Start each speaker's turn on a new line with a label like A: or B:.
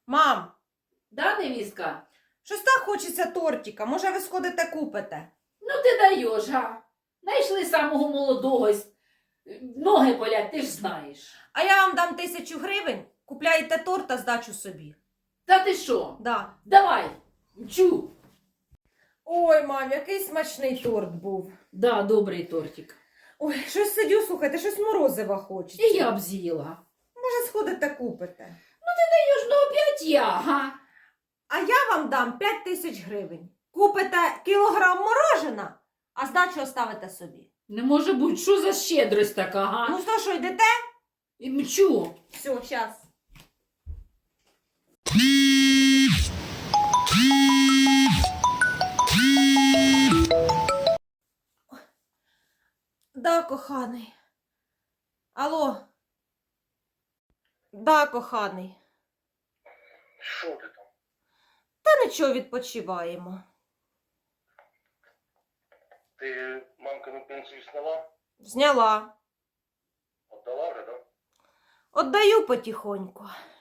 A: Мам,
B: Да, невістка?
A: щось так хочеться тортика. Може, ви сходите купите?
B: Ну ти даєш, га? Найшли самого молодого. Ноги болять, ти ж знаєш.
A: А я вам дам 1000 гривень, купляєте торт та здачу собі.
B: Та ти що?
A: Да.
B: Давай, мчу.
A: Ой, мам, який смачний торт був.
B: Да, добрий тортик.
A: Ой, щось сидю, слухайте, щось морозива хочеться.
B: І я б з'їла.
A: Може, сходите купите?
B: Даєш, ну опять я, га?
A: А я вам дам 5000 гривень. Купите кілограм морожена, а здачу оставите собі.
B: Не може бути, що за щедрость така, га?
A: Ну що, йдете?
B: І мчу.
A: Все, щас. Да, коханий. Алло. Да, коханий.
C: Що ти там?
A: Та нічого, відпочиваємо.
C: Ти мамкину пенсію сняла?
A: Зняла.
C: Отдала вже, так?
A: Отдаю потихоньку.